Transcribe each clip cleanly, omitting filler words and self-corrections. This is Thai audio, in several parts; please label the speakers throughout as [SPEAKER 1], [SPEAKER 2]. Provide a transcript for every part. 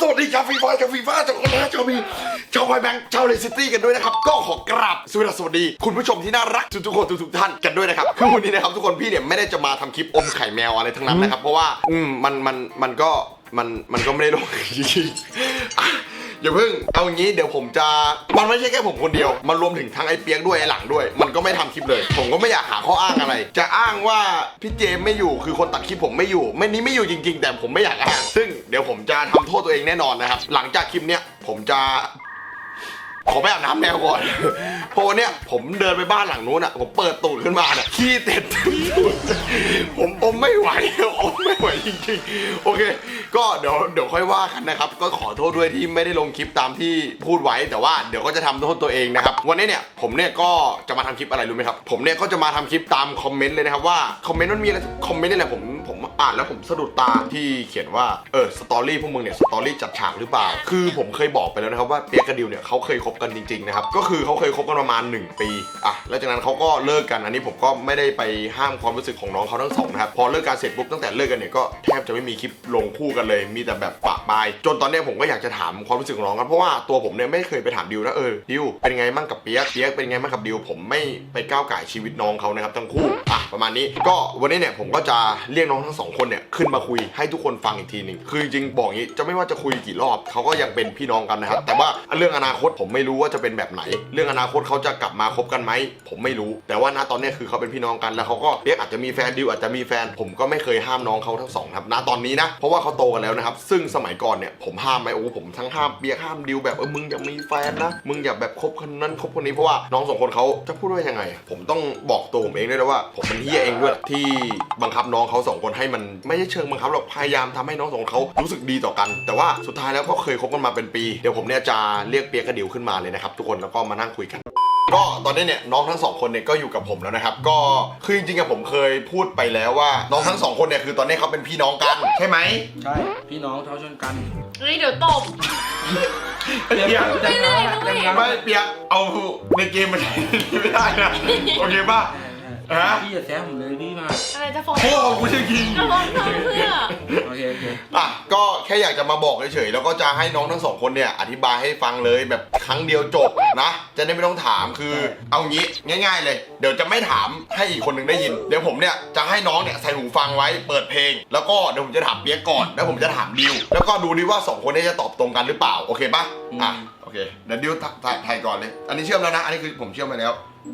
[SPEAKER 1] สวัสดีชาวฟีฟ่าชาวคนนะชาวมีชาวไวแบงค์ชาวเลสตี้กันด้วยนะครับก็ขอกราบสวัสดีคุณผู้ชมที่น่ารักทุกคนทุกท่านกันด้วยนะครับคือวันนี้นะครับทุกคนพี่เนี่ยไม่ได้จะมาทำคลิปอมไข่แมวอะไรทั้งนั้นนะครับเพราะว่ามันก็ไม่ได้ลงจริงๆอย่าเพิ่งเอาอย่างนี้เดี๋ยวผมจะมันไม่ใช่แค่ผมคนเดียวมันรวมถึงทั้งไอ้เปียกด้วยไอ้หลังด้วยมันก็ไม่ทำคลิปเลยผมก็ไม่อยากหาข้ออ้างอะไรจะอ้างว่าพี่เจมไม่อยู่คือคนตัดคลิปผมไม่อยู่ไม่อยู่จริงๆแต่ผมไม่อยากอ้างซึ่งเดี๋ยวผมจะทำโทษตัวเองแน่นอนนะครับหลังจากคลิปเนี้ยผมจะขอไปอาบน้ำแมวก่อนเพราะเนี่ยผมเดินไปบ้านหลังนู้นอ่ะผมเปิดตูดขึ้นมาเนี่ยขี้เต็มตูดผมอมไม่ไหวจริงๆโอเคก็เดี๋ยวค่อยว่ากันนะครับก็ขอโทษด้วยที่ไม่ได้ลงคลิปตามที่พูดไว้แต่ว่าเดี๋ยวก็จะทำโทษตัวเองนะครับวันนี้เนี่ยผมเนี่ยก็จะมาทำคลิปอะไรรู้ไหมครับผมเนี่ยก็จะมาทำคลิปตามคอมเมนต์เลยนะครับว่าคอมเมนต์มันมีอะไรคอมเมนต์นี่แหละผมอ่านแล้วผมสะดุดตาที่เขียนว่าสตอรี่พวกมึงเนี่ยสตอรี่จัดฉากหรือเปล่าคือผมเคยบอกไปแล้วนะครับว่าเปียกกับดิวเนี่ยเขาเคยคบกันจริงๆนะครับก็คือเขาเคยคบกันประมาณ1 ปีแล้วจากนั้นเขาก็เลิกกันอันนี้ผมก็ไม่ได้ไปห้ามความรู้สึกของน้องเขาทั้งสองนะครับพอเลิกกันเสร็จปุ๊บตั้งแต่เลิกกันเนี่ยก็แทบจะไม่มีคลิปลงคู่กันเลยมีแต่แบบปะปายจนตอนนี้ผมก็อยากจะถามความรู้สึกของน้องครับเพราะว่าตัวผมเนี่ยไม่เคยไปถามดิวนะดิวเป็นไงมั่งกับเปียกเป็นไงมั่งกับดิวผมไม่ไปก้าวก่ายชีวิตน้องเขานะครับทั้งคู่ประมาณนี้ก็วันนี้เนี่ยผมก็จะเรียกน้องทั้งสองคนเนี่ยขึ้นมาคุยให้ทุกคนฟังอีกทีหนึ่งคือจริงๆบอกงี้จะไม่ว่าจะคุยกี่รอบเขาก็ยังเป็นพี่น้องกันนะครับแต่ว่าเรื่องอนาคตผมไม่รู้ว่าจะเป็นแบบไหนเรื่องอนาคตเขาจะกลับมาคบกันไหมผมไม่รู้แต่ว่าณตอนนี้คือเขาเป็นพี่น้องกันแล้วเขาก็เปียกอาจจะมีแฟนดิวอาจจะมีแฟนผมก็ไม่เคยห้ามน้องเขาทั้งสองครับณตอนนี้นะเพราะว่าเขาโตกันแล้วนะครับซึ่งสมัยก่อนเนี่ยผมห้ามไหมผมทั้งห้ามเปียกห้ามดิวแบบมึงอย่ามีแฟนนะมึงอย่าแบบคบคนนั้นคบคนนี้เพราะว่าน้องสองคนเขาจะพูดว่ายังไงผมต้องบอกตัวผมเองด้วยนะว่าผมเป็นเฮียเองด้วยที่บังคับน้องเขาสองคนให้มันไม่ใช่เชิงบังคับหรอกพยายามทำให้น้องสองคนเขารู้สึกดีต่อกันแต่ว่าสุดท้ายแล้วก็เคยคบกันมาเป็นปีเดี๋ยวผมเนี่ยจะเรียกเปียกกับดิวขึ้นมาเลยนะครับทุกคนแล้วก็มานั่งคุยกันก็ตอนนี้เนี่ยน้องทั้งสองคนเนี่ยก็อยู่กับผมแล้วนะครับก็คือจริงๆผมเคยพูดไปแล้วว่าน้องทั้งสองคนเนี่ยคือตอนนี้เขาเป็นพี่น้องกันใช่ไหม
[SPEAKER 2] ใช่พี่น้องเท่าชนกัน
[SPEAKER 3] เดี๋ยวตบ
[SPEAKER 1] เปียกไม่เปียกเอาในเกมมันไม่ได้นะโอเคป่ะ
[SPEAKER 2] พี่อย่าแซะผมเลยพี่มา
[SPEAKER 3] อะไรจะฟ้อง
[SPEAKER 1] โอ้กูจะกิน
[SPEAKER 3] จะฟ้องน้องเพื่อ
[SPEAKER 2] โอเค
[SPEAKER 1] ก็แค่อยากจะมาบอกเฉยๆแล้วก็จะให้น้องทั้งสองคนเนี่ยอธิบายให้ฟังเลยแบบครั้งเดียวจบนะจะได้ไม่ต้องถามคือเอางี้ง่ายๆเลยเดี๋ยวจะไม่ถามให้อีกคนหนึ่งได้ยินเดี๋ยวผมเนี่ยจะให้น้องเนี่ยใส่หูฟังไว้เปิดเพลงแล้วก็เดี๋ยวผมจะถามเปียกก่อนแล้วผมจะถามดิวแล้วก็ดูดิว่า2คนนี้จะตอบตรงกันหรือเปล่าโอเคป่ะโอเคเดี๋ยวดิวถ่ายก่อนเลยอันนี้เชื่อมแล้วนะอันนี้คือผมเชื่อมไปแล้ว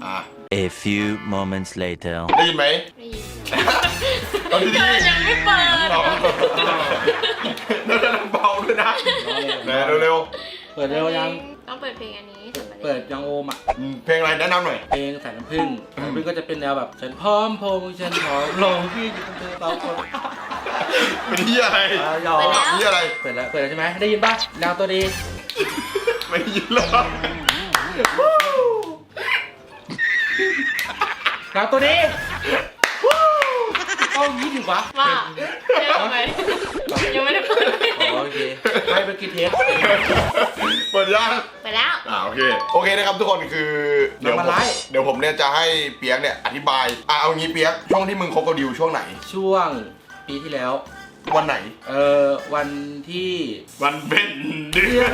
[SPEAKER 4] A few moments later
[SPEAKER 1] ได้ยินไหม
[SPEAKER 3] ได้ยิน
[SPEAKER 1] ตอนนี้
[SPEAKER 3] ยังไม่เปิด
[SPEAKER 1] แล้วจะเบาด้วยนะเร็ว
[SPEAKER 2] เปิดเร็วยัง
[SPEAKER 3] ต้องเปิดเพลงอันนี้
[SPEAKER 2] เปิดยังโอม
[SPEAKER 1] เพลงอะไรแนะนำหน่อย
[SPEAKER 2] เพลงสายน้ำผึ้งก็จะเป็นแนวแบบฉันพร้อมพงฉันพร้อมลงพี่จะเป็นเธอเราคน
[SPEAKER 1] เป็นที่อะไรที่อะไร
[SPEAKER 2] เปิดแล้วใช่ไหมได้ยินป่ะแนวตัวดี
[SPEAKER 1] ไม่ยินหรอก
[SPEAKER 2] แล้วตัวนี้ต้องยิ้มอยู่ปะ
[SPEAKER 3] ว่ายังไม่ได้เปิด
[SPEAKER 2] โอเคให้ไปกินเทป
[SPEAKER 1] เปิดยัง
[SPEAKER 3] ไปแล้ว
[SPEAKER 1] โอเคนะครับทุกคนคือเดี๋ยวผมเนี่ยจะให้เปียกเนี่ยอธิบายเอางี้เปียกช่วงที่มึงคบกับดิวช่วงไหน
[SPEAKER 2] ช่วงปีที่แล้ว
[SPEAKER 1] วันไหน
[SPEAKER 2] วันที่
[SPEAKER 1] วันเป็นเดือน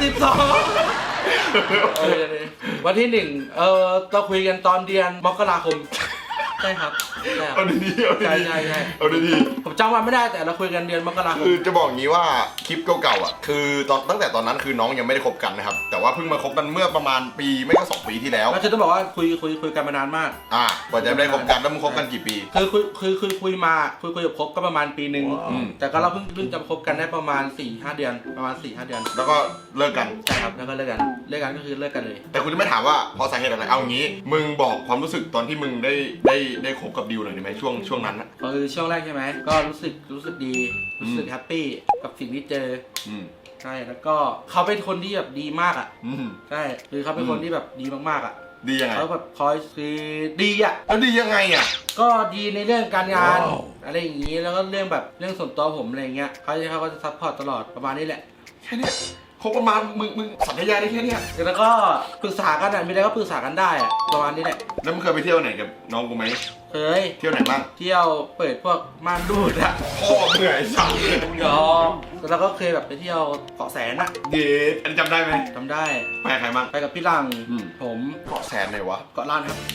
[SPEAKER 2] 12วันที่1เราคุยกันตอนเดือนมกราคมใช่ครับ
[SPEAKER 1] เอาดีๆใช่เอาดี
[SPEAKER 2] ๆผมจำวันไม่ได้แต่เราคุยกันเดือนมกราคม
[SPEAKER 1] คือจะบอกงี้ว่าคลิปเก่าๆคือตั้งแต่ตอนนั้นคือน้องยังไม่ได้คบกันนะครับแต่ว่าเพิ่งมาคบกันเมื่อประมาณปีไม่ก็2 ปีที่แล้ว
[SPEAKER 2] เราจะต้องบอกว่าคุยกันมานานมาก
[SPEAKER 1] กว่าจะได้คบกันแล้วมึงคบกันกี่ปี
[SPEAKER 2] คุยกับคบก็ประมาณปีนึงแต่ก็เราเพิ่งจะคบกันได้ประมาณ 4-5 เดือนประมาณ 4-5 เดือน
[SPEAKER 1] แล้วก็เลิกกัน
[SPEAKER 2] ใช่ครับแล้วก็เลิกกันก็คือเลิกกันเลย
[SPEAKER 1] แต่คุณจะไม่ถามว่าเพราะสาเหตุอะไรเอางี้มึงบอกความรู้สึกตอนที่มึงได้คบกับดิวหน่อยได้ไหมช่วงนั้น
[SPEAKER 2] ช่วงแรกใช่ไหมก็รู้สึกดีรู้สึกแฮปปี้กับสิ่งที่เจอใช่แล้วก็เขาเป็นคนที่แบบดีมากใช่คือเขาเป็นคนที่แบบดีมาก
[SPEAKER 1] ดียังไง
[SPEAKER 2] เขาแบบคอยคือดี
[SPEAKER 1] แล้วดียังไง
[SPEAKER 2] ก็ดีในเรื่องการงานอะไรอย่างนี้แล้วก็เรื่องส่วนตัวผมอะไรเงี้ยเขาก็จะซัพพอร์ตตลอดประมาณนี้แหละ
[SPEAKER 1] แค่นี้คบกันมามึงสัญญาได้แค่เนี้ย
[SPEAKER 2] แล้วก็ปรึกษากันอ่ะมีอะไรก็ปรึกษากันได้อ่ะประมาณนี้แหละ
[SPEAKER 1] แล้วมึงเคยไปเที่ยวไหนกับน้องกูไหม
[SPEAKER 2] เคย
[SPEAKER 1] เที่ยวไหนบ้าง
[SPEAKER 2] เที่ยวเปิดพวกม่านรูดอ่ะ
[SPEAKER 1] พ่อเหนื่อยสัตว์
[SPEAKER 2] ยอมแล้วก็เคยแบบไปเที่ยวเกาะแสนอ่ะ
[SPEAKER 1] เด็ดอันนี้จำได้ไหม
[SPEAKER 2] จำได้
[SPEAKER 1] ไปกับใครบ้าง
[SPEAKER 2] ไปกับพี่ลัง ผม
[SPEAKER 1] เกาะแสนไหนวะ
[SPEAKER 2] เกาะล้านครับ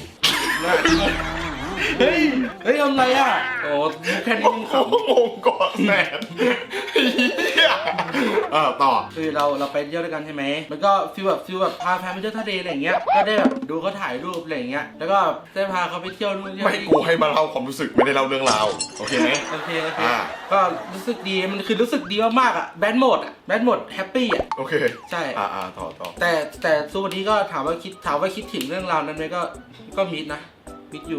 [SPEAKER 2] เฮ้ยทำไรอ่ะโอ้แค่นี้มึงข
[SPEAKER 1] โอ้โหเกาะแสนเหี้ยต่อ
[SPEAKER 2] ำคือเราไปเที่ยวด้วยกันใช่ไหมมันก็ฟีลแบบพาแฟนไปเที่ยวทะเลอะไรอย่างเงี้ยก็ได้แบบดูเขาถ่ายรูปอะไรอย่างเงี้ยแล้วก็ได้พาเขาไปเที่ยวนู่นเที่ยว
[SPEAKER 1] ไม่
[SPEAKER 2] นี่
[SPEAKER 1] กูให้มาเล่าความรู้สึกไม่ได้เล่าเรื่องราวโอเคไหม
[SPEAKER 2] โอเค
[SPEAKER 1] อ่า
[SPEAKER 2] ก็รู้สึกดีมันคือรู้สึกดีมากๆอ่ะแบดโหมดแฮปปี้อ่ะ
[SPEAKER 1] โอเค
[SPEAKER 2] ใช่
[SPEAKER 1] ต่อ
[SPEAKER 2] แต่สู้วันนี้ก็ถามว่าคิดถึงเรื่องราวนั้นไหมก็มิดนะมิดอยู่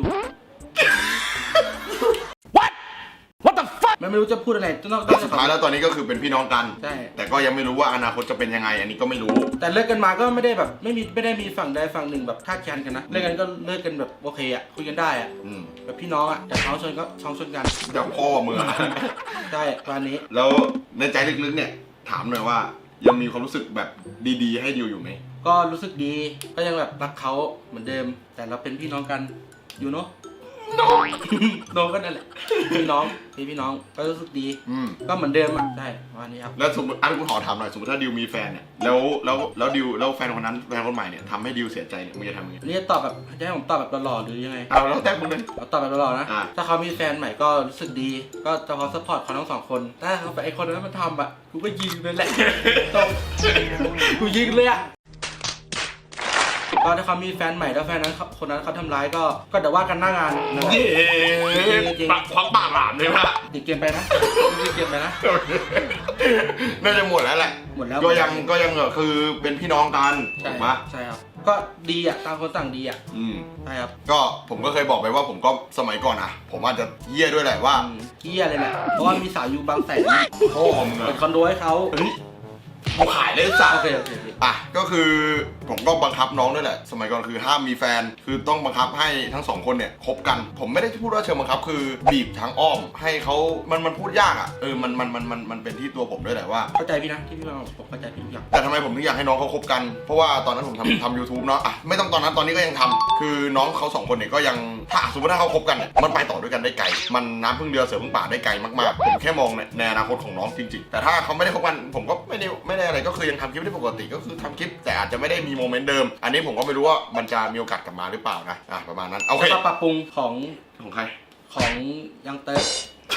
[SPEAKER 2] What the fuck มันไม่รู้จะพูดอะไรนอก
[SPEAKER 1] แต่สุดท้ายแล้วตอนนี้ก็คือเป็นพี่น้องกัน
[SPEAKER 2] ใช่
[SPEAKER 1] แต่ก็ยังไม่รู้ว่าอนาคตจะเป็นยังไง อันนี้ก็ไม่รู้
[SPEAKER 2] แต่เลิกกันมาก็ไม่ได้แบบไม่ได้มีฝั่งใดฝั่งหนึ่งแบบคาดคันกันนะเลิกกันก็เลิกกันแบบโอเคอ่ะคุยกันได้อ่ะแบบพี่น้องอ่ะแต่ท้องชนก็ท้องชนกัน
[SPEAKER 1] เดี๋ยวพ่อมึงอะ
[SPEAKER 2] ใช่วันนี้
[SPEAKER 1] แล้วในใจลึกๆเนี่ยถามหน่อยว่ายังมีความรู้สึกแบบดีๆให้ดิวอยู่ไหม
[SPEAKER 2] ก็รู้สึกดีก็ยังแบบรักเขาเหมือนเดิม แต่เราเป็นพี่น้องกันอยู่เนาะ น้องก็นั่นแหละพี่น้องก็รู้สึกดีก็เหมือนเดิมอ่ะใช่วันนี้ครับ
[SPEAKER 1] แล้วสมมติกูขอถามหน่อยสมมติถ้าดิวมีแฟนเนี่ยแล้วดิวแล้วแฟนคนนั้นแฟนคนใหม่เนี่ยทำให้ดิวเสียใจเนี่ยมึงจะทำยังไง
[SPEAKER 2] นี่จะตอบแบบจะให้ผมตอบแบบหล่อๆหรือยังไง
[SPEAKER 1] เอาแล้วแต่มึงเลย
[SPEAKER 2] เอาตอบแบบหล่อๆนะ
[SPEAKER 1] อ่ะ
[SPEAKER 2] ถ้าเขามีแฟนใหม่ก็รู้สึกดี ก็จะพอซัพพอร์ตเขาทั้งสองคนถ้าเขาไอคนนั้นมันทำอ่ะกูก็ยิงเลยแหละตรงกูยิงเลยอ่ะก็ถ้าเขามีแฟนใหม่แล้วแฟนนั้นคนนั้นเขาทำร้ายก็เดี๋ยวว่ากันหน้างานนะ
[SPEAKER 1] จริงควักปากหลามเลยป่ะ
[SPEAKER 2] ติดเกมไปนะติดเกมไปนะ
[SPEAKER 1] น่าจะหมดแล้วแหละ
[SPEAKER 2] หมดแล้ว
[SPEAKER 1] ก็ยังคือเป็นพี่น้องกันถูกปะ
[SPEAKER 2] ใช่ครับก็ดีอ่ะต่างคนต่างดีอ่ะใช่ครับ
[SPEAKER 1] ก็ผมก็เคยบอกไปว่าผมก็สมัยก่อนอ่ะ ผมอาจจะเยี่ยด้วยแหละว่า
[SPEAKER 2] เกี้ยเลยแหละเพราะว่ามีสาวอยู่บางแสน
[SPEAKER 1] พ่อมึง
[SPEAKER 2] เป็
[SPEAKER 1] อะ
[SPEAKER 2] นคอนโดให้เขา
[SPEAKER 1] เฮ้ยกูขายเลยสัต
[SPEAKER 2] โอ
[SPEAKER 1] ว์
[SPEAKER 2] เค
[SPEAKER 1] อ่ะก็คือผมก็บังคับน้องด้วยแหละสมัยก่อนคือห้ามมีแฟนคือต้องบังคับให้ทั้งสองคนเนี่ยคบกัน ผมไม่ได้พูดว่าเชิงบังคับคือบีบทางอ้อมให้เขามันพูดยากอ่ะมันเป็นที่ตัวผมด้วยแหละว่า
[SPEAKER 2] เข้าใจพี่นะที่พี่มาบอกผมเข้าใจพี่ทุกอย่าง
[SPEAKER 1] แต่ทำไมผมถึงอยากให้น้องเขาคบกัน เพราะว่าตอนนั้นผมทำ YouTube เนาะอ่ะไม่ต้องตอนนั้นตอนนี้ก็ยังทำคือน้องเขาสองคนเนี่ยก็ยังถ้าสมมติถ้าเขาคบกันเนี่ยมันไปต่อด้วยกันได้ไกลมันน้ำพึ่งเรือเสือพึ่งป่าได้ไกลมากๆผมแค่มองในอนาคตของน้องจริงๆแต่ถ้าเขาไม่ได้คบกันผมก็ไม่ได้อะไรก็คือยังทำคลิปได้ปกติก็คือทำคลิปแต่อาจจะไม่ได้มีโมเมนต์เดิมอันนี้ผมก็ไม่รู้ว่ามันจะมีโอกาสกลับมาหรือเปล่านะอ่ะประมาณนั้นโอเค
[SPEAKER 2] แล้วก็ปรับปรุงของ
[SPEAKER 1] ของใคร
[SPEAKER 2] ยังเติร์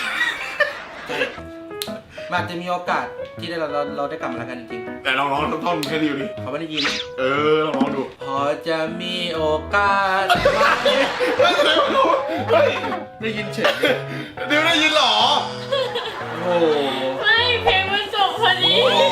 [SPEAKER 2] มันอาจจะมีโอกาสที่เราได้กลับมาแล้วกันจริง
[SPEAKER 1] แต่ลองท่อนให้ดิวดิ
[SPEAKER 2] ๆเขาไม่ได้ยิน
[SPEAKER 1] ลองดู
[SPEAKER 2] พอจะมีโอกาสได้ยินเฉย
[SPEAKER 1] ดิวได้ยินเหรอ
[SPEAKER 2] โอ้โห
[SPEAKER 3] ไม่เพลงมันจบพอดี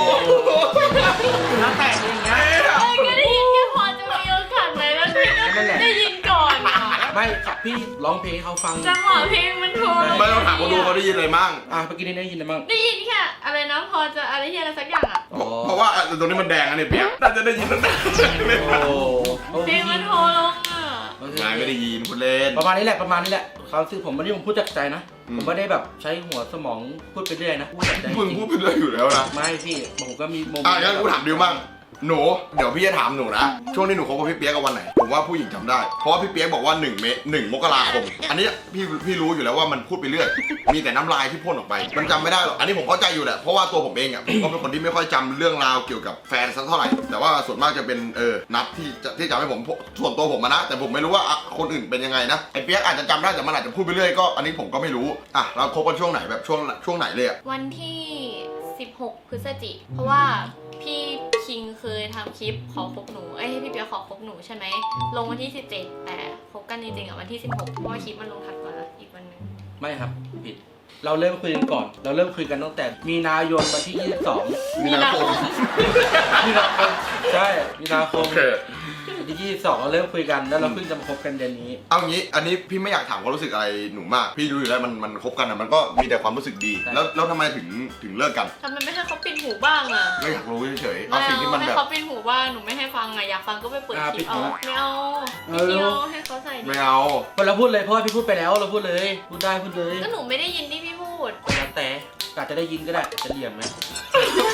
[SPEAKER 2] น้าแตกอย่างเงี้ย
[SPEAKER 3] ก็ได้ยินแค่พอจะมีโอกาสไหมแล้วพี่ก็ได้ยินก่อนอ่ะ
[SPEAKER 2] ไม่ครับพี่ร้องเพลงให้เขาฟัง
[SPEAKER 3] จังหวะเพลงมันโทร
[SPEAKER 1] ไม่ต้องถามเขาดูเขาได้ยินอะไรมั่ง
[SPEAKER 2] เมื่อกี้ได้ยินอะไรบ้าง
[SPEAKER 3] ได้ยินแค่อะไรนะพอจะอะไรที่อะไรสักอย่างอ่ะ
[SPEAKER 1] เพราะว่าตรงนี้มันแดงอันนี้เปียกน่าจะได้ยินตั้งแต่
[SPEAKER 2] โอ้
[SPEAKER 3] เพลงมันโทรลงอ่ะ
[SPEAKER 1] นายไม่ได้ยินคุณเล่น
[SPEAKER 2] ประมาณนี้แหละความรู้สึกผมวันนี้ผมพูดจากใจนะผมไม่ได้แบบใช้หัวสมองพูดไปเรื่อยนะพูดจากใจ
[SPEAKER 1] มึงพูดไปเรื่อยอยู่แล้วนะ
[SPEAKER 2] ไม่พี่ผมก็มีโมเมนต์
[SPEAKER 1] งั้นกูถามดิวบ้างหนูเดี๋ยวพี่จะถามหนูนะช่วงที่หนูคบกับพี่เปียกกับวันไหนผมว่าผู้หญิงจำได้เพราะว่าพี่เปียกบอกว่า1 มกราคมอันนี้พี่รู้อยู่แล้วว่ามันพูดไปเรื่อยมีแต่น้ำลายที่พ่นออกไปมันจำไม่ได้หรอกอันนี้ผมเข้าใจอยู่แหละเพราะว่าตัวผมเองอ่ะผมก็เป็นคนที่ไม่ค่อยจำเรื่องราวเกี่ยวกับแฟนสักเท่าไหร่แต่ว่าส่วนมากจะเป็นนัดที่จำให้ผมส่วนตัวผมนะแต่ผมไม่รู้ว่าคนอื่นเป็นยังไงนะไอ้เปียกอาจจะจำได้แต่มันอาจจะพูดไปเรื่อยก็อันนี้ผมก็ไม่รู้อ่ะเราคบกันช่วงไหนแบบช่วงไหนเลยอ่ะ
[SPEAKER 3] วันที่ 16 พฤศจิกเพราะว่าพี่คิงเคยทำคลิปขอคบหนูให้พี่เปียขอคบหนูใช่ไหมลงวันที่ 17 แต่คบกันจริงๆอ่ะวันที่ 16 เพราะว่าคลิปมันลงถัดมาอีกวันนึง
[SPEAKER 2] ไม่ครับผิดเราเริ่มคุยกันก่อนเราเริ่มคุยกันตั้งแต่มีนาคมวันที่22
[SPEAKER 1] มีนาคม
[SPEAKER 2] ใช่มีนาคมวันที่22เราเริ่มคุยกันแล้วเราเพิ่งจะมาคบกันเดือนนี้
[SPEAKER 1] เอางี้อันนี้พี่ไม่อยากถามความรู้สึกอะไรหนูมากพี่รู้อยู่แล้วมันคบกันอะมันก็มีแต่ความรู้สึกดี แล้วทำไมถึงเลิกกัน
[SPEAKER 3] ทำไมไม่ให้เขาปิดหูบ้างอ่ะ
[SPEAKER 1] ก็อยากรู้เฉยๆ
[SPEAKER 3] ไม่
[SPEAKER 1] เอาสิ่งที่มัน
[SPEAKER 3] ให้
[SPEAKER 1] แบบ
[SPEAKER 3] เขาปิดหูบ้างหนูไม่ให้ฟังอ่ะอยากฟังก็ไปเปิดคลิปเอาไม่เอาไม่เอาให้เขาใส่ดิ
[SPEAKER 1] ไม่เอา
[SPEAKER 2] เราพูดเลยเพราะว่าพี่พูดไปแล้วเราพูดเลยพูดได้พูดเลย
[SPEAKER 3] ก็หนูไม่ได้ยินที่พี่พูด
[SPEAKER 2] แล้วแต่อาจจะได้ยินก็ได้จะเหลี่ยมไหม
[SPEAKER 1] เกียง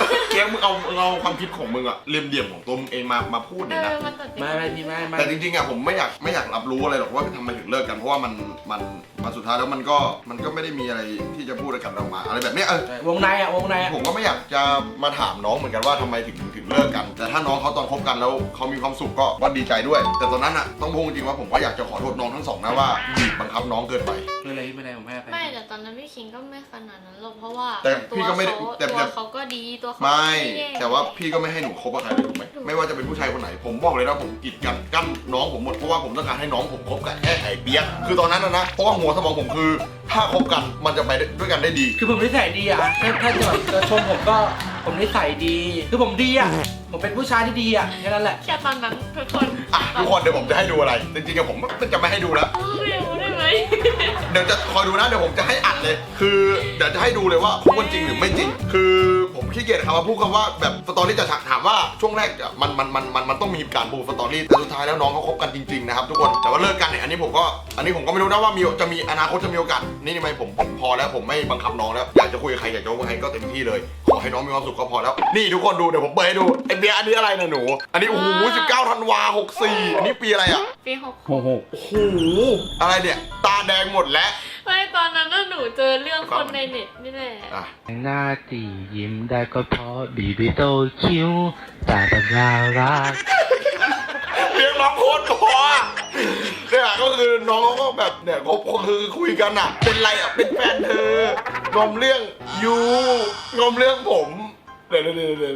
[SPEAKER 1] มึงเอาความคิดของมึงอะเหลี่ยมของตัวมึงเองมาพูดเนี่ยนะ
[SPEAKER 3] มันตัดสิน
[SPEAKER 2] ไม่พี่ไม่
[SPEAKER 1] แต่จริงๆอะผมไม่อยากรับรู้อะไรหรอกว่าทำไมถึงเลิกกันเพราะว่ามันสุดท้ายแล้วมันก็ไม่ได้มีอะไรที่จะพูดกันออกมาอะไรแบบเนี้ยว
[SPEAKER 2] งในอ่ะ
[SPEAKER 1] ผมก็ไม่อยากจะมาถามน้องเหมือนกันว่าทำไมถึงเลิกกัน แต่ถ้าน้องเขาตอนคบกันแล้วเขามีความสุขก็ดีใจด้วย แต่ตอนนั้นอะต้องพูดจริงว่าผมก็อยากจะขอโทษน้องทั้งสองนะว่าบีบบังคับน้องเกินไป
[SPEAKER 2] ไม่เป็นไรผมให้อภัย
[SPEAKER 3] ไม่แต่ตอนนั้นพี่คิงก็ไม่ขนาดนั้นหรอกเพราะว่า
[SPEAKER 1] แต่พี่ก็ไม่ได้แต่
[SPEAKER 3] ตัวเขาก็ดีตัวเขา
[SPEAKER 1] ไม่
[SPEAKER 3] แย่
[SPEAKER 1] แต่ว่าพี่ก็ไม่ให้หนูคบกับใครเลยถูกไหมไม่ว่าจะเป็นผู้ชายคนไหน ผมบอกเลยนะผมกีดกันกั้นน้องผมหมดเพราะว่าผมต้องการให้น้องผมคบกับแค่ไอ้เปียกคือตอนนั้นนะเพราะว่าหัวสมองผมคือ ถ้าคบกันมันจะไปด้วยกันได้ดี
[SPEAKER 2] คือผมนิสัยดีอ่ะถ้าจะแบบจะชมผมก็ผมนิสัยดีคือผมดีอ่ะผมเป็นผู้ชายที่ดีอ่ะแค่นั้นแหละ
[SPEAKER 3] แค่ตอนนั้นทุกคน
[SPEAKER 1] อ่ะทุกคนเดี๋ยวผมจะให้ดูอะไรจริงๆผมจะไม่ให้ดูแล้ว
[SPEAKER 3] ไม่รู้ได้ไหม
[SPEAKER 1] เดี๋ยวจะคอยดูนะเดี๋ยวผมจะให้อัดเลย คือเดี๋ยวจะให้ดูเลยว่าคบกันจริงหรือไม่จริง คือผมขี้เกียจครับว่าพูดคำว่าแบบสตอรี่จะถามว่าช่วงแรกมันต้องมีการปูสตอรี่แต่สุดท้ายแล้วน้องเขาคบกันจริงๆนะครับทุกคนแต่ว่าเลิกกันเนี่ยอันนี้ผมก็ไม่รู้นะว่าจะมีอนาคตจะมีโอกาสนี่ทำไมผมพอแล้วผมไม่บังคับน้องแล้วอยากจะคุยกับใครอยากจะคุยกับใครก็เต็มที่เลยขอให้น้องมีความสุขก็พอแล้วนี่ทุกคนดูเดี๋ยวผมเปิดให้ดูไอเบียร์อันนี้อะไรนะหนูอันนี้โอ้โห19 ธันวา64อันนี้ปีอะไรอ่ะ
[SPEAKER 3] ปีหก
[SPEAKER 2] โอ้โห
[SPEAKER 1] โอ้โหอะไรเนี่ยตาแดงหมดแล้ว
[SPEAKER 3] ไม่ตอนนั้นน่ะหนูเจอเรื่องคนในเน็ตนี่แหละ
[SPEAKER 1] อ่ะ
[SPEAKER 5] หน้าตียิ้มได้ก็เพราะบีบีโตคิ้วตาแบบน่ารัก
[SPEAKER 1] เรียกน้องโคตรพอเนี่ยก็คือน้องเขาก็แบบเนี่ยเขาคือคุยกันอ่ะเป็นไรอ่ะเป็นแฟนเธองอมเรื่องยูงอมเรื่องผมเดี๋ยว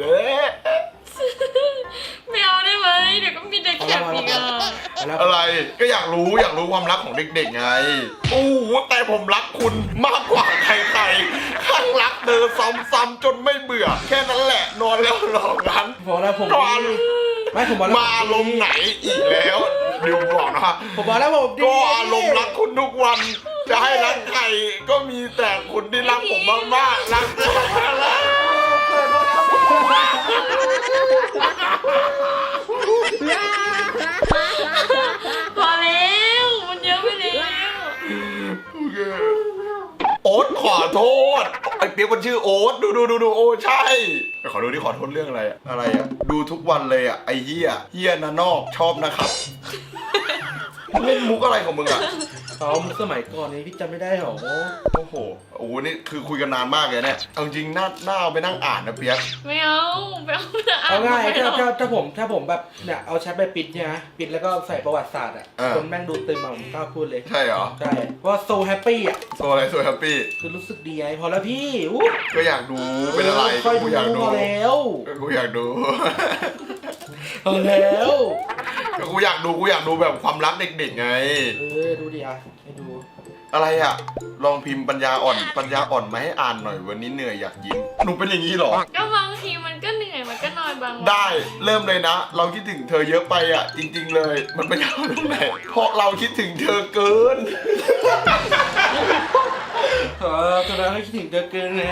[SPEAKER 3] ไม่เอาได้ไหมเดี๋ยวก็มีเด็กแคปอีกอ่ะ
[SPEAKER 1] อะไรก็อยากรู้ความรักของเด็กๆไงโอ้โหแต่ผมรักคุณมากกว่าใครๆข้างรักเธอซ้ำๆจนไม่เบื่อ แค่นั้นแหละนอนแล้วหลอกกัน
[SPEAKER 2] บอกแล้วผม
[SPEAKER 1] ก่อน
[SPEAKER 2] ไม่ผมบอกแล้ว
[SPEAKER 1] มาลมณ์ไหนอีกแล้วเดี๋ยวบอกนะ
[SPEAKER 2] ผมบอกแล้วผมดี
[SPEAKER 1] ก็อารมณ์รักคุณทุกวัน จะให้รักใครก็มีแต่คุณที่รักผมมากๆรักแต่ละ
[SPEAKER 3] พอแล้วมันเยอะไปแล้ว
[SPEAKER 1] โอ๊ตขอโทษไอ้เปียกมันชื่อโอ๊ตดูโอ้ใช่ขอดูที่ขอโทษเรื่องอะไรอะดูทุกวันเลยอะไอ้เหี้ยนะนอกชอบนะครับเล่นมุกอะไรของมึงอะ
[SPEAKER 2] เขาสมัยก่อนนี้พี่จำไม่ได้หรอ
[SPEAKER 1] โอ้โหนี่คือคุยกันนานมากเลยเนี่ยเอาจริงน่าเอาไปนั่งอ่านนะเปียก
[SPEAKER 3] ไม่เอาไปเอา
[SPEAKER 2] เอาง่าย
[SPEAKER 3] ไม่เอ
[SPEAKER 2] ถ้าผมแบบเนี่ยเอาแชทไปปิดเนี่ยนะปิดแล้วก็ใส่ประวัติศาสตร์อ่ะคนแม่งดูตึมมาผมกล้าพูดเลย
[SPEAKER 1] ใช่เหรอ
[SPEAKER 2] ใช่เพราะว่าโซแฮปปี้อ่ะ
[SPEAKER 1] โซอะไรโซแฮปปี้
[SPEAKER 2] คือรู้สึกดีไงพอแล้วพี่
[SPEAKER 1] ก็อยากดูเป็นอะไร
[SPEAKER 2] ค่อย
[SPEAKER 1] กู
[SPEAKER 2] ดู
[SPEAKER 1] อยากดู
[SPEAKER 2] พอแล้ว
[SPEAKER 1] กูอยากดู
[SPEAKER 2] พอแล้ว
[SPEAKER 1] ก็กูอยากดูแบบความรักเด็กๆไง
[SPEAKER 2] ดูดิอ่ะให้ดู
[SPEAKER 1] อะไรอ่ะลองพิมพ์ปัญญาอ่อนมาให้อ่านหน่อยวันนี้เหนื่อยอยากยิ้มหนูเป็นอย่างนี้เหรอ
[SPEAKER 3] ก็บางทีมันก็เหนื่อยมันก็นอนบางวัน
[SPEAKER 1] ได้เริ่มเลยนะ เราคิดถึงเธอเยอะไปอ่ะ จริง ๆ เลยมันเป็นอย่างตรงไหนเพราะเราคิดถึงเธอเกิน
[SPEAKER 2] ตอนนั้นคิดถึงเธอเกินไง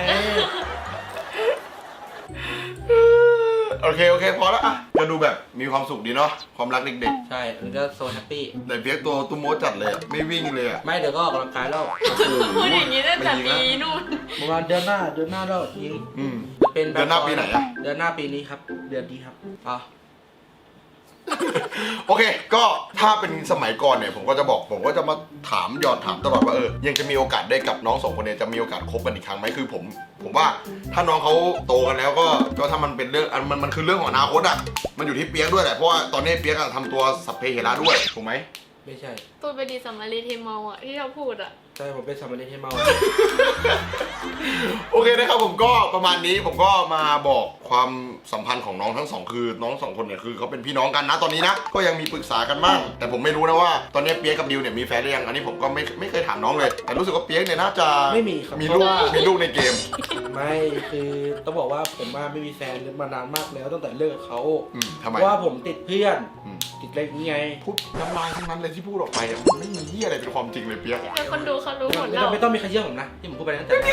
[SPEAKER 1] โอเคพอแล้วอ่ะก็ดูแบบมีความสุขดีเนาะความรักเด็ก
[SPEAKER 2] ใช่มันก็โซแฮปปี้
[SPEAKER 1] ๆแต่เพียกตัวตุ้มโมจัดเลยอะไม่วิ่งเลยอ่ะ
[SPEAKER 2] ไม่เดี๋ยวก็ออกกำลังกายแล้ว
[SPEAKER 3] พูดอย่างนี้ตั้งแต่ปีนู่น
[SPEAKER 2] ประมาณเดือนหน้าแล้วยิง
[SPEAKER 1] อืม
[SPEAKER 2] เป็น
[SPEAKER 1] เดือนหน้าปีไหนอะ
[SPEAKER 2] เดือนหน้าปีนี้ครับเดือนดีครับอ่ะ
[SPEAKER 1] โอเค ก็ถ้าเป็นสมัยก่อนเนี่ยผมก็จะมาถามหยอดถามตลอดว่ายังจะมีโอกาสได้กับน้องสองคนเนี่ยจะมีโอกาสคบกันอีกครั้งไหมคือผมว่าถ้าน้องเขาโตกันแล้วก็ถ้ามันเป็นเรื่องมันคือเรื่องของอนาคตอ่ะมันอยู่ที่เปียกด้วยแหละเพราะว่าตอนนี้เปียกอะทำตัวสัพเพเหระด้วยถูกไหม
[SPEAKER 2] ไม่ใช่
[SPEAKER 3] ตัวไปดีสัมมารีเทเมาอ่ะที่เราพูดอ่ะ
[SPEAKER 2] ใช่ผมเป็นสามเณรให้เมา
[SPEAKER 1] โอเคนะครับผมก็ประมาณนี้ผมก็มาบอกความสัมพันธ์ของน้องทั้งสองคือน้องสองคนเนี่ยคือเขาเป็นพี่น้องกันนะตอนนี้นะก็ยังมีปรึกษากันบ้างแต่ผมไม่รู้นะว่าตอนนี้เปียกกับดิวเนี่ยมีแฟนหรือยังอันนี้ผมก็ไม่เคยถามน้องเลย แต่รู้สึกว่าเปียกเนี่ยน่าจะ
[SPEAKER 2] ไม่มีครับ
[SPEAKER 1] มีลูก
[SPEAKER 2] เพราะว่า
[SPEAKER 1] มีลูกในเกม
[SPEAKER 2] ไม่คือต้องบอกว่าผมไม่มีแฟนมานานมากแล้วตั้งแต่เลิกกับเขา
[SPEAKER 1] ทำไม
[SPEAKER 2] เพราะว่าผมติดเพื่อน
[SPEAKER 1] อืม
[SPEAKER 2] ติดอะไรอย่างเงี้ย
[SPEAKER 1] พูดน้ำลายทั้งนั้นเลยที่พูดออกไปอะมันไม่มีเหี้ยอะไรเป็นความจริงเลยเปียก
[SPEAKER 3] แต่คนดูเขารู้หมดแล้ว
[SPEAKER 2] ไม่ต้องมีใครเชื่อผมนะที่ผมพูดไปตั้งแต่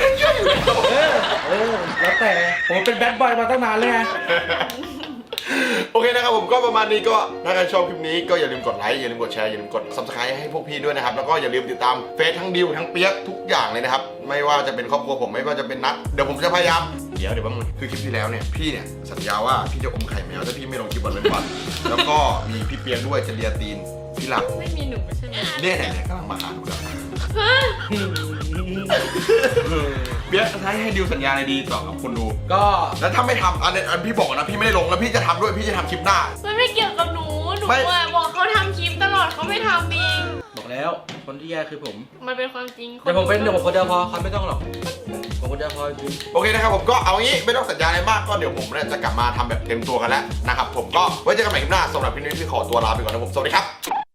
[SPEAKER 2] แล้วแต่ผมเป็นแบดบอยมาตั้งนานเลยไง
[SPEAKER 1] โอเคนะครับผมก็ประมาณนี้ก็ถ้าใครชอบคลิปนี้ก็อย่าลืมกดไลค์อย่าลืมกดแชร์อย่าลืมกด subscribe ให้พวกพี่ด้วยนะครับแล้วก็อย่าลืมติดตามเฟซทั้งดิวทั้งเปียกทุกอย่างเลยนะครับไม่ว่าจะเป็นครอบครัวผมไม่ว่าจะเป็นนัดเดี๋ยวผมจะพยายามเดี๋ยวแป๊บนึงคือคลิปที่แล้วเนี่ยพี่เนี่ยสัญญาว่าพี่จะอมไข่แมวถ้าพี่ไม่ลงคลิปวันเว้นวัน แล้วก็มีพี่เปียกด้วยจะเลียตีนพี่หลับ
[SPEAKER 3] ไม่มีหนูใช่ไหม
[SPEAKER 1] เนี่ยกำลังมาหาหนูแล้วเปียกให้ดิวสัญญาอะไรดีต่อกับคนดู
[SPEAKER 2] ก็
[SPEAKER 1] แล้วถ้าไม่ทำอันพี่บอกนะพี่ไม่ได้ลงแล้วพี่จะทำด้วยพี่จะทำคลิปหน้า
[SPEAKER 3] มันไม่เกี่ยวกับหนู
[SPEAKER 1] ไม่
[SPEAKER 3] อะบอกเขาทำคลิปตลอดเขาไม่ทำเอง
[SPEAKER 2] บอกแล้วคนที่แย่คือผม
[SPEAKER 3] มันเป็นความจริง
[SPEAKER 2] แต่ผมเป็นคนเดียวพอเขาไม่ต้องหรอกผมคนเดียวพอจริง
[SPEAKER 1] โอเคนะครับผมก็เอางี้ไม่ต้องสัญญาอะไรมากก็เดี๋ยวผมเนี่ยจะกลับมาทำแบบเต็มตัวกันแล้วนะครับผมก็ไว้เจอกันใหม่คลิปหน้าสำหรับพี่นุ้ยที่ขอตัวลาไปก่อนนะผมสวัสดีครับ